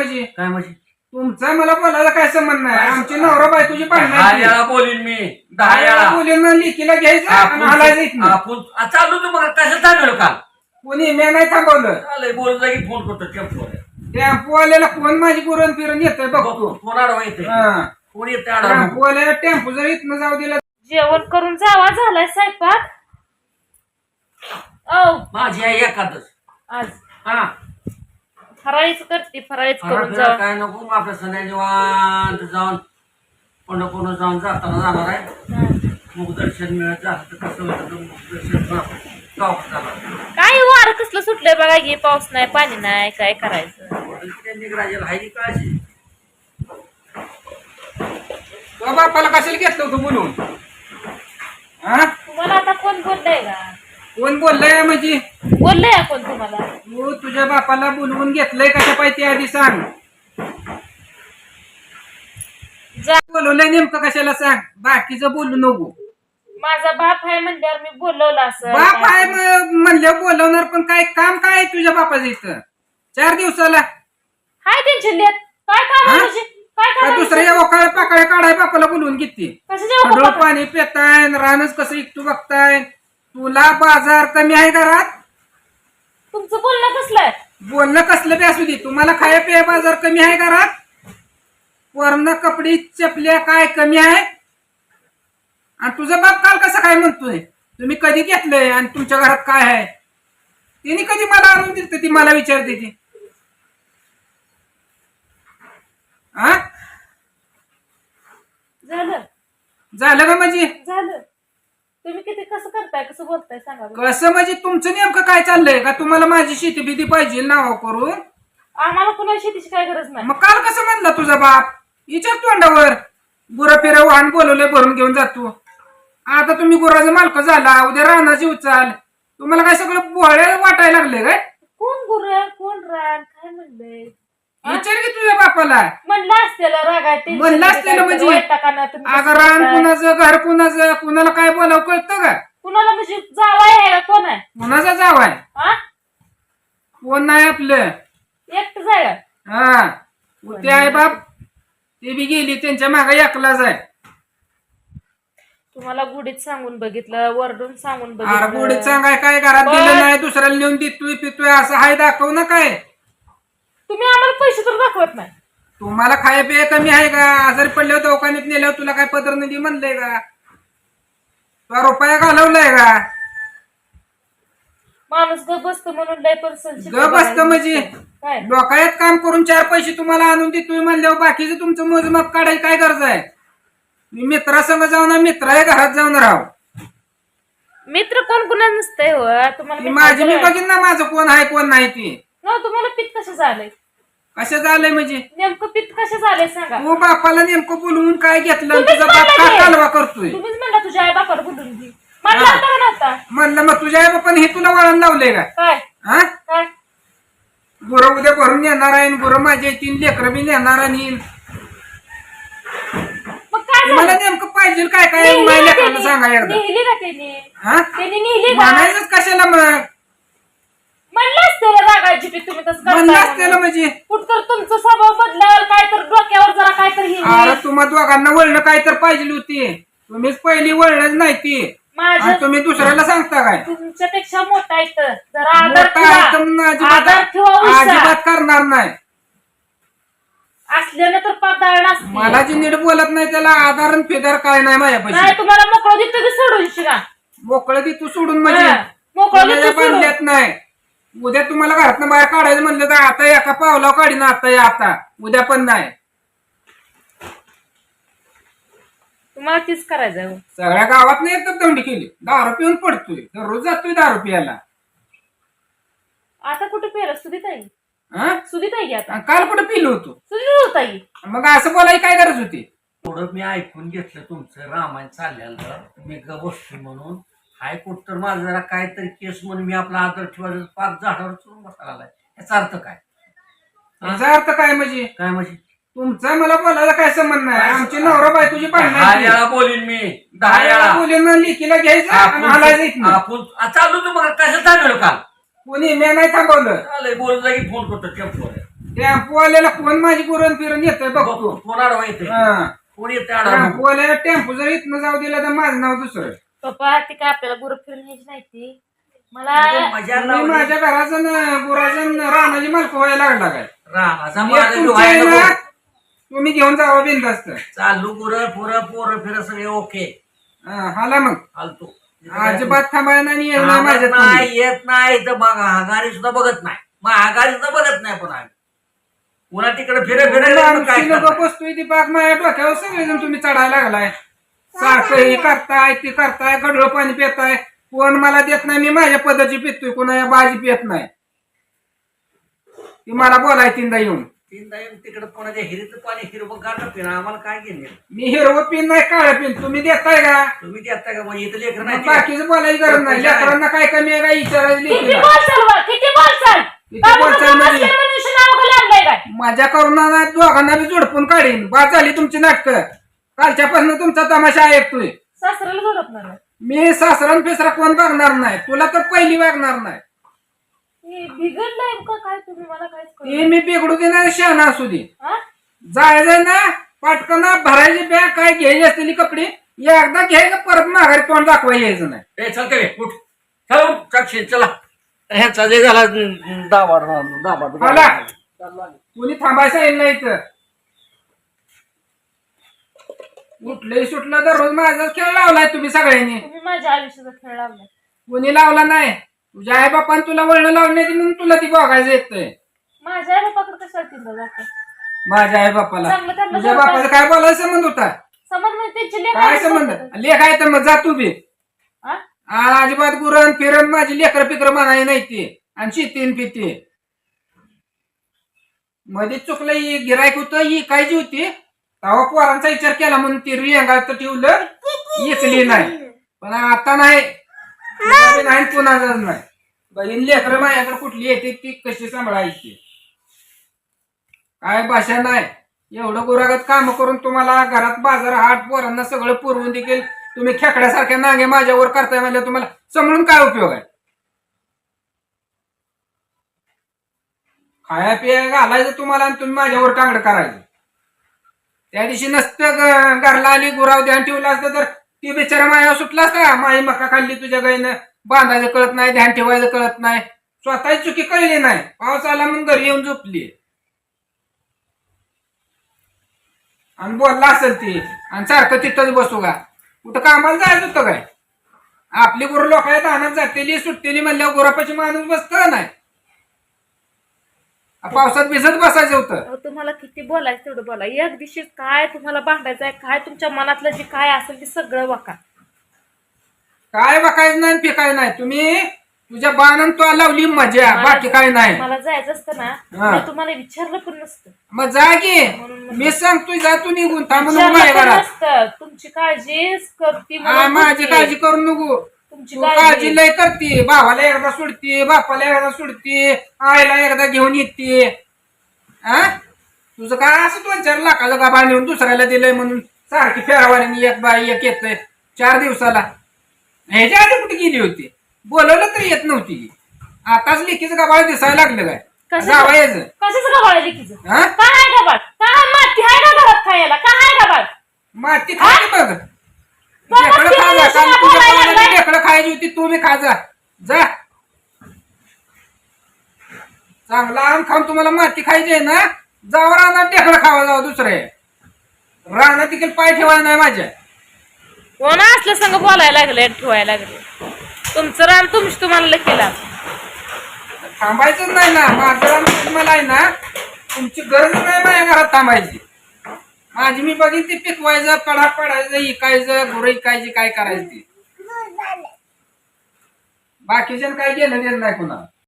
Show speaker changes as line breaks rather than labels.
म्हणजे
काय म्हणजे
तुमचा मला बोलायला काय संबंध नाही. आमची नवरा बायकोची भांडण
10 वेळा बोलीन मी 10 वेळा
बोलून लेकीला घ्यायचं आणि हालायचं इथनं.
आपण चालू तू मग कशाला थांबलो काल
कोणी मी नाही थांबवलं.
चालय बोल जागी फोन करतो टेम्पो
टेम्पोवाल्याला कोण माझी पुरण फिरून येतोय बघतो.
फोन आडवा येते कोण येते आडवा
टेम्पोवाल्याला टेम्पो जर इथनं जाऊ दिला.
जेवण करून जावा झालाय स्वयंपाक.
माझी आई एखादच
आज
हा
फराळीच करते, फराळीच करून
फराळ
जावा.
काय नको मग आपल्या सगळ्या निवांत जाऊन पंढरपूर जाऊन जाताना जाणार आहे. मुख दर्शन मिळत झालं तर कसं होतं मुख दर्शन गावात जाणार.
काय वार कसलं सुटलंय बघा की, पाऊस नाही पाणी नाही, काय करायचं.
निघराजेला हाय काळजी
तो बापाला कशाला घेतलं होतं बोलून? हा
तुम्हाला आता कोण बोललंय का?
कोण बोललंय म्हणजे?
बोललंय कोण तुम्हाला?
तू तुझ्या बापाला बोलवून घेतलंय कशा पाहिजे आधी सांग. बोलवलंय नेमकं कशाला सांग. बाकीचं बोलू नको.
माझा बाप आहे म्हणल्यावर मी बोलवलं असं.
बाप आहे म्हणलं बोलवणार, पण काय काम काय आहे तुझ्या बापाचं इथं 4 दिवसाला?
हाय त्यांची लेत काय काम आहे तुझी? काय
का
काम
दुसऱ्या वकाळ पाकळ्या काढाय बापाला बोलवून घेते?
कशाच्या
पाणी पिताय, रानच कसं इकटू बघताय. तुला बाजार कमी आहे घरात?
तुमचं बोलणं कसलंय?
बोलणं कसलं बी असू दे. तुम्हाला खाया पिया बाजार कमी आहे घरात? वरण कपडे चपल्या काय कमी आहे? आणि तुझा बाप काल कसं काय म्हणतोय तुम्ही कधी घेतलंय आणि तुमच्या घरात काय आहे? तिने कधी मला आणून दिलं? ती मला विचारते ती. हा झालं का म्हणजे?
झालं. तुम्ही किती कसं करताय, कसं बोलताय सांगा.
कसं म्हणजे तुमचं नेमकं काय चाललंय? का तुम्हाला माझी शेती बिती पाहिजे नाव करून?
आम्हाला कुणाला शेतीची काय गरज नाही.
मग काल कसं म्हणला तुझा बाप? विचार तोंडावर. गुरं फिरा वाहन बोलवलंय भरून घेऊन जातो. आता तुम्ही गुराचा मालक झाला, उद्या रानाची उचाल. तुम्हाला काय सगळं बोळ्या वाटायला लागले काय?
कोण गुर कोण रान काय म्हणलंय?
विचार की तुझ्या बापाला.
म्हणलं असतेलं रागात
म्हणलं असतेलं म्हणजे? अगं रान कुणाचं, घर कुणाचं, कुणाला काय बोलावं कळतं का?
कुणाला म्हणजे जावाय आहे का? कोण आहे?
कुणाचा जाव आहे?
हा
कोण नाही आपलं.
एकटं जाय.
हा ते आहे बाप, ते बी गेली त्यांच्या मागे एकलाच आहे.
तुम्हाला गुढीत सांगून बघितलं, वरडून सांगून
अरे
बघितलं.
गोडीत सांगाय काय घरात दिलं नाही, दुसऱ्याला नेऊन देतोय पितोय असं हाय दाखव ना काय.
तुम्ही आम्हाला पैसे तर दाखवत नाही.
तुम्हाला खाया पिया कमी आहे का? आजारी पडल्यावर दवाखान्यात नेल्यावर तुला काय पदर नदी म्हणलंय का? तुला रुपया घालवलाय का?
माणूस ग बसतो म्हणून लय पर्सन
ग बसतं म्हणजे
काय
डोकायात काम करून 4 पैसे तुम्हाला आणून देतोय म्हणल्यावर बाकीचं तुमचं मोजमाप काढायची काय गरज आहे? मी मित्रासंग जाऊन मित्र आहे घरात जाऊन राहू.
मित्र कोण कुणा नसतंय हो तुम्हाला.
माझी मी बघीन ना माझं कोण आहे कोण नाही ते.
तुम्हाला पित्त कसं झालंय?
कसं झालंय म्हणजे?
नेमकं पित्त कसं झालंय सांगा.
तू बापाला नेमकं बोलवून काय घेतलं? तुझा बाप का कालवा करतोय?
तुम्हीच म्हणला तुझ्या आई बापाला बोलून घे म्हणला.
म्हणलं मग तुझ्या आई बापाने हे तुला वळण लावलंय का?
काय
हा
काय
गुरं उद्या भरून येणार आहे, गुरं माझ्या 3 लेकरं बी नेणार आणि
मग काय
मला नेमकं पाहिजे काय काय माझ्या लेकरांना सांगा एकदा.
नेहली का त्यांनी?
हा
त्यांनी नेहली का?
म्हणायचंच कशाला मग?
म्हणलं असतं रागायची पी तुम्ही तसं
म्हणलं
करताय
असतेलं म्हणजे?
कुठतर तुमचा स्वभाव बदलावर काय तर डोक्यावर जरा काय तर
अरे तुम्हा दोघांना वळणं काय तर पाहिजे होती. तुम्हीच पहिली वळणच नाही ती.
माझ्या
तुम्ही दुसऱ्याला सांगता काय?
तुमच्यापेक्षा मोठा आहे तर जरा आदर
मोठा आहे तर मग
ठेवा. आदर ठेवा उषा.
अजिबात करणार नाही.
असल्यानं तर पदार्थ असते.
मला जी नीट बोलत नाही त्याला आधार फेदार काय नाही माझ्यापाशी.
नाही तुम्हाला मोकळं देतो की सोडून शिका.
मोकळं ती तू सोडून म्हणजे
मोकळं देतो सोडून.
बांधल्यात नाही. उद्या तुम्हाला घरातनं बाहेर काढायचं म्हणलं तर आता एका पावला काढीन आता उद्या पण नाही.
तुम्हाला तीच करायचं.
सगळ्या गावात नाही एकच दंडी केली. दारू पिऊन पडतोय, दररोज जातोय दारू पियाला.
आता कुठे पेर सुधीत आहे?
हा
सुधीत आहे की आता?
काल कुठे पिलो होतो?
सुधीत होत आहे.
मग असं बोलायची काय गरज होती?
थोडं मी ऐकून घेतलं तुमचं रामायण चाललेलं, मी ग बसतो म्हणून. हायकोर्ट तर माझं जरा काहीतरी केस म्हणून मी आपला आदर ठेवायचं 5 झाडावर चढून बसायला आलाय. याचा अर्थ काय?
याचा अर्थ काय म्हणजे?
काय म्हणजे
तुमचा मला बोलायला काय संबंध नाही. आमची नवरा बायकोची
10
भांडण
वेळा बोलीन मी 10 वेळा
बोलून लेकीला घ्यायचं आणि हालायचं इथनं.
आपण चालू तू मग कशाला थांबलो काल?
कोणी मी नाही थांबवलं.
चालय बोल जागी फोन करतो टेम्पो
टेम्पोवाल्याला कोण माझी गुरण फिरून येतोय बघतो.
कोण आडवा येते
हा.
कोण येते आडवा
टेम्पोवाल्याला टेम्पो जर इथनं जाऊ दिला तर माझं नाव दुसरं.
पप्पा ती काय आपल्याला गुरु फिरून न्यायची नाही ती मला
मजा
मी
लावली
माझ्या घराचं गुराचं रानाची मालक व्हायला लागला काय.
रामाचा
मी
माझा
तुमच्या
डोहायला
आहे ना,
नको.
तुम्ही घेऊन जावा बिनधास्त.
चालू गुरं पुरं पोरं फिरं सगळे ओके
हाला मग
फालतू
अजिबात थांबायला नाही येत नाही माझ्यात तुम्ही.
नाही येत नाही तर बघा आघाडी सुद्धा बघत नाही मग आघाडी सुद्धा बघत नाही पण आम्ही पुन्हा तिकडे फिरे फिरे
आमची लोक बसतोय ती बाग माझ्या डोक्यावर सगळेजण तुम्ही चढायला लागलाय. सारखं हे करताय ती करताय गडळ पाणी पिताय. कोण मला देत नाही मी माझ्या पद्धती पितोय कोणा बाजी पित नाही. ती मला बोलाय तीनदा येऊन
तिकडे पुण्याच्या हिरीचं पाणी हिरवं गाणं पिणं आम्हाला काय घेणे
मी हिरवं पिन नाही काळ पिन तुम्ही देताय का.
तुम्ही देता का मग इथं लेकर नाही
बाकीचं बोलायची गरज नाही. लेकरांना काय कमी आहे का विचारायचं
किती
लेकीला.
बोलचाल बा, किती बोलचाल
किती बोलचाल म्हणजे?
मनुष्य नाव का लागलंय काय
माझ्या करुणा दोघांना बी जोडपून काढीन. बाद झाली तुमची नाटकं. कालच्यापासून तुमचा तमाशा ऐकतोय.
सासऱ्याला जोडपणार
मी सासरण फेसरा कोण बघणार नाही. तुला तर पहिली वागणार नाही.
बिघडलंय का काय तुम्ही मला काहीच कळलं
ते मी बिघडू दे ना शहाणा असू दे.
हा?
जायचं ना पटकन भरायची बॅग काय घ्यायची असलेली कपडे एकदा घ्यायचं परत माघारी तोंड दाखवा यायचं नाही.
ए चालते रे उठ चला साक्षी चला ह्याचा जे झाला दाबा
आला. कुणी थांबायचं येईल नाही तर उठलंय सुटलं तर रोज माझाच खेळ लावलाय तुम्ही सगळ्यांनी.
तुम्ही माझ्या आयुष्याचा खेळ लावलाय
कुणी लावला नाही. तुझ्या आई बापान तुला वळण लावण्याची म्हणून तुला ती बघायचं येतंय.
माझ्या आई बापाकडे कशाला तिथं जातं
माझ्या आई बापाला
चांगलं त्यांना
तुझ्या बापाचं काय बोलायचं संबंध होता.
समज म्हणजे त्यांची लेकरं
काय
असतात
संबंध
का?
लेख आहे तर मग जा तू बी.
हा?
अजिबात गुरण फिरण माझी लेकर पिकर म्हणाय नाही ती आणि शेतीन पिती मध्ये चुकलं गिरायक होतं ही कायची होती तेव्हा पोरांचा विचार केला म्हणून ती रिंगात ठेवलं इकली नाही. पण आता नाही तुला बी नाही कुणाचाच नाही. बहीण लेकर माझ्याकडे कुठली येते ती कशी सांभाळायची काय भाषा नाही. एवढं गुरागत काम करून तुम्हाला घरात बाजार हाट पोरांना सगळं पुरवून देखील तुम्ही खेकड्यासारख्या नांगे माझ्यावर करताय म्हणजे तुम्हाला समजून काय उपयोग आहे. खाया पिया घालायचं तुम्हाला आणि तुम्ही माझ्यावर टांगड करायचं. त्या दिवशी नसतं घरला आली गुराव ध्यान ठेवलं असतं तर ती बिचारा मायावर सुटला असता. माई मका खाल्ली तुझ्या गाईनं बांधायचं कळत नाही ध्यान ठेवायचं कळत नाही. स्वतःची चुकी कळली नाही. पाऊस आला म्हणून घरी येऊन झोपली आणि बोलला असेल ती आणि सारखं तिथंच बसू का. कुठं कामाला जायचं होतं काय. आपली गुरु लोकांच्या दानात जातेली सुटतेली म्हणल्यावर गुरापाची माणूस बसत नाही. पावसात भिजत बसायचं होतं.
अहो, तुम्हाला किती बोलायचं तेवढं बोला. एक दिवशी काय तुम्हाला भांडायचं आहे काय तुमच्या मनातलं जे काय असेल ते सगळं वाका.
काय बघायचं नाही पिकाय नाही. तुम्ही तुझ्या बाणन तो लावली मजा बाकी काय नाही.
मला जायचं असतं ना
हा.
मी तुम्हाला विचारलं पण नसतं.
मग जा की
म्हणून
मी सांगतोय जा तू निघून थांबू नको
विचारलं
माझ्या
पण
घरात.
नसतं. तुमची काळजी करते
हा,
म्हणून
माझी
बोलते.
काळजी करू नको.
तुमची
तू काळजी लय करते. भावाला एकदा सोडते बापाला एकदा सोडते आईला एकदा घेऊन येते. हा तुझं काय असं 2-4 लाखाचं गाभा नेऊन दुसऱ्याला दिलंय म्हणून सारखी फेरावानी एक बाई एक येतंय 4 दिवसाला. ह्याच्या आधी कुठे गेली होती. बोलवलं तरी येत नव्हती. आताच लेकीचं गाभाळ दिसायला लागलं काय जावं यायचं.
कशाचं गबाळ लेकीचं
हा
काय आहे गबाळ काय माती आहे का घरात खायला काय आहे गबाळ
माती खायची बघ. ढेकळं खा जा. काल तुझ्या पाहुण्याला ढेकळं खायची होती तू बी खा जा. जा चांगला आम खाऊन तुम्हाला माती खायची आहे ना जावं रानात ढेकळं खावा जावं दुसरे रानात देखील पाय ठेवायला नाही माझ्या.
कोण असल्या संग बोलायला लागले ठेवायला लागले. तुमचं रान तुम्हाला केला
थांबायचंच नाही ना. माझं रान तुम्हाला आहे ना तुमची गरज नाही माझ्या घरात थांबायची. माझी मी बघीन ते पिकवायचं कडा पडायचं इकायचं गुरं इकायची काय करायची. बाकीच्या काय घेणं देणं नाही कुणाला.